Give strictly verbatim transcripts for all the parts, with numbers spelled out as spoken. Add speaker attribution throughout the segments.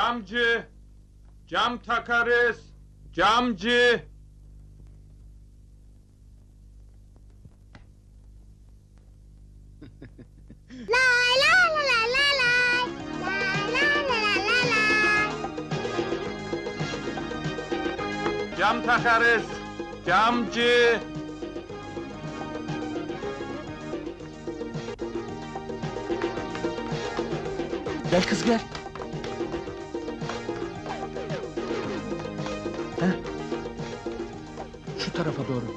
Speaker 1: Camcı! Cam takarız! Camcı!
Speaker 2: Lay lay lay lay lay lay. Lay lay lay lay lay lay.
Speaker 1: Cam takarız! Camcı!
Speaker 3: Gel kız gel. Heh. Şu tarafa doğru.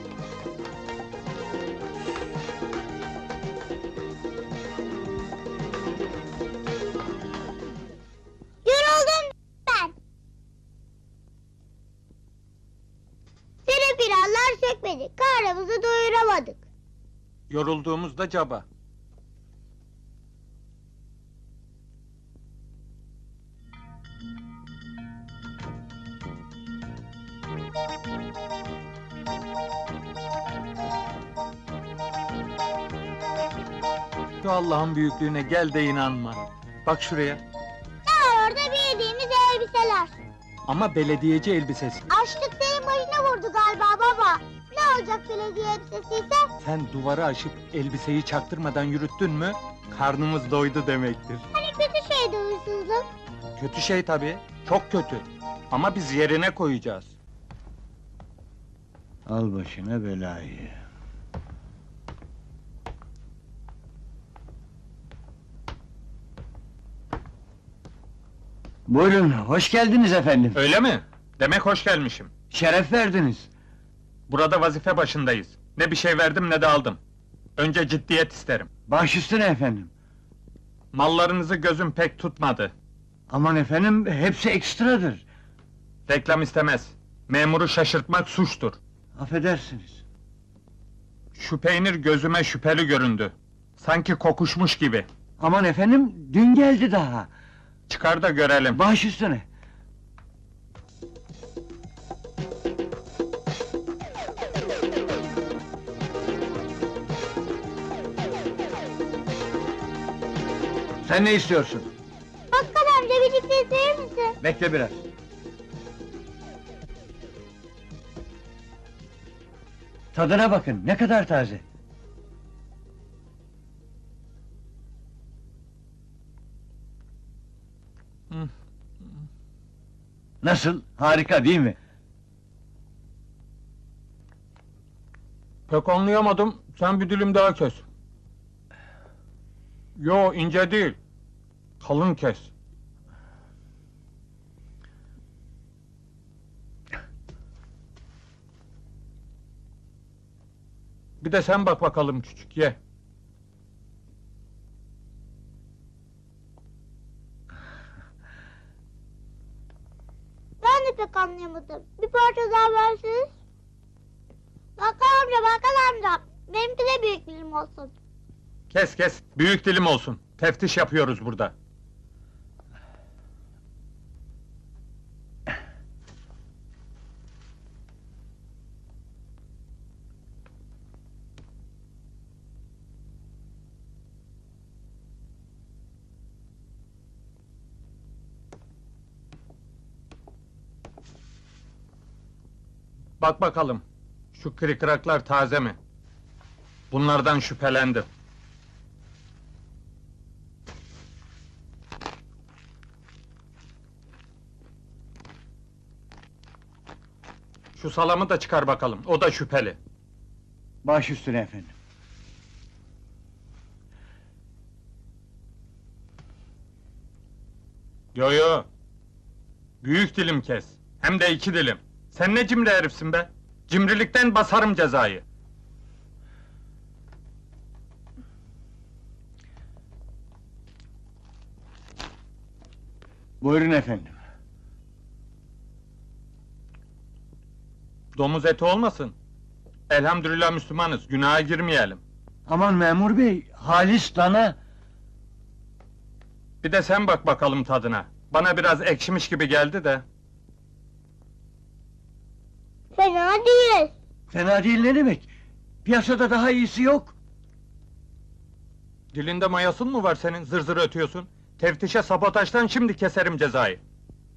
Speaker 2: Yoruldum ben. Seni planlar çekmedik, karnımızı doyuramadık.
Speaker 1: Yorulduğumuzda caba. Şu Allah'ın büyüklüğüne gel de inanma. Bak şuraya.
Speaker 2: Ne var orada bildiğimiz elbiseler.
Speaker 1: Ama belediyeci elbisesi.
Speaker 2: Açlık senin başına vurdu galiba baba. Ne olacak belediye elbisesiyse?
Speaker 1: Sen duvarı aşıp elbiseyi çaktırmadan yürüttün mü, karnımız doydu demektir.
Speaker 2: Hani kötü şeydi huysuzluk.
Speaker 1: Kötü şey tabii, çok kötü. Ama biz yerine koyacağız.
Speaker 4: Al başına belayı. Buyurun, hoş geldiniz efendim.
Speaker 1: Öyle mi? Demek hoş gelmişim.
Speaker 4: Şeref verdiniz.
Speaker 1: Burada vazife başındayız. Ne bir şey verdim ne de aldım. Önce ciddiyet isterim.
Speaker 4: Baş üstüne efendim.
Speaker 1: Mallarınızı gözüm pek tutmadı.
Speaker 4: Aman efendim, hepsi ekstradır.
Speaker 1: Reklam istemez. Memuru şaşırtmak suçtur.
Speaker 4: Affedersiniz.
Speaker 1: Şu peynir gözüme şüpheli göründü. Sanki kokuşmuş gibi.
Speaker 4: Aman efendim, dün geldi daha.
Speaker 1: Çıkar da görelim.
Speaker 4: Baş üstüne. Sen ne istiyorsun?
Speaker 2: Bakkal amca bir cipsi verir misin?
Speaker 4: Bekle biraz. Tadına bakın, ne kadar taze.
Speaker 1: Hı.
Speaker 4: Nasıl? Harika değil mi?
Speaker 1: Pek anlayamadım. Sen bir dilim daha kes. Yo, ince değil. Kalın kes. Bir de sen bak bakalım küçük, ye.
Speaker 2: Ben de pek anlayamadım. Bir parça daha verseniz. Bakkal amca, bakkal amca. Benimki de büyük dilim olsun.
Speaker 1: Kes kes, büyük dilim olsun. Teftiş yapıyoruz burada. Bak bakalım, şu kırıklar taze mi? Bunlardan şüphelendim. Şu salamı da çıkar bakalım, o da şüpheli.
Speaker 4: Baş üstüne efendim.
Speaker 1: Yo yo! Büyük dilim kes, hem de iki dilim. Sen ne cimri herifsin be? Cimrilikten basarım cezayı.
Speaker 4: Buyurun efendim.
Speaker 1: Domuz eti olmasın. Elhamdülillah Müslümanız, günaha girmeyelim.
Speaker 4: Aman memur bey, halis dana.
Speaker 1: Bir de sen bak bakalım tadına. Bana biraz ekşimiş gibi geldi de.
Speaker 2: Fena değil.
Speaker 4: Fena değil ne demek? Piyasada daha iyisi yok.
Speaker 1: Dilinde mayasın mı var senin, zır zır ötüyorsun? Teftişe sabotajdan şimdi keserim cezayı.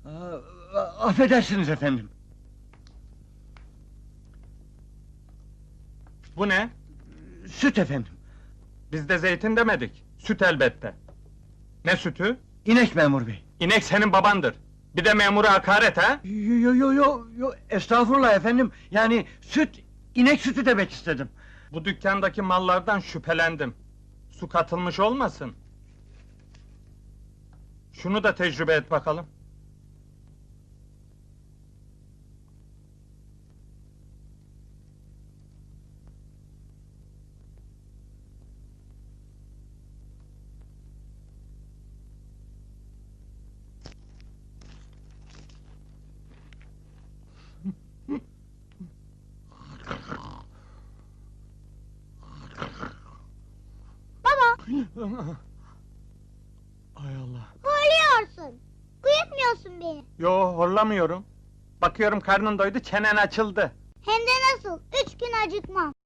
Speaker 4: Aa, affedersiniz efendim.
Speaker 1: Bu ne?
Speaker 4: Süt efendim.
Speaker 1: Biz de zeytin demedik. Süt elbette. Ne sütü?
Speaker 4: İnek memur bey.
Speaker 1: İnek senin babandır. Bir de memura hakaret ha?
Speaker 4: Yo yo yo yo yo estağfurullah efendim. Yani süt inek sütü demek istedim.
Speaker 1: Bu dükkandaki mallardan şüphelendim. Su katılmış olmasın? Şunu da tecrübe et bakalım.
Speaker 2: Baba,
Speaker 1: Hay Allah.
Speaker 2: horluyorsun. Uyutmuyorsun beni.
Speaker 1: Yo, horlamıyorum. Bakıyorum karnın doydu, çenen açıldı.
Speaker 2: Hem de nasıl? Üç gün acıkmam.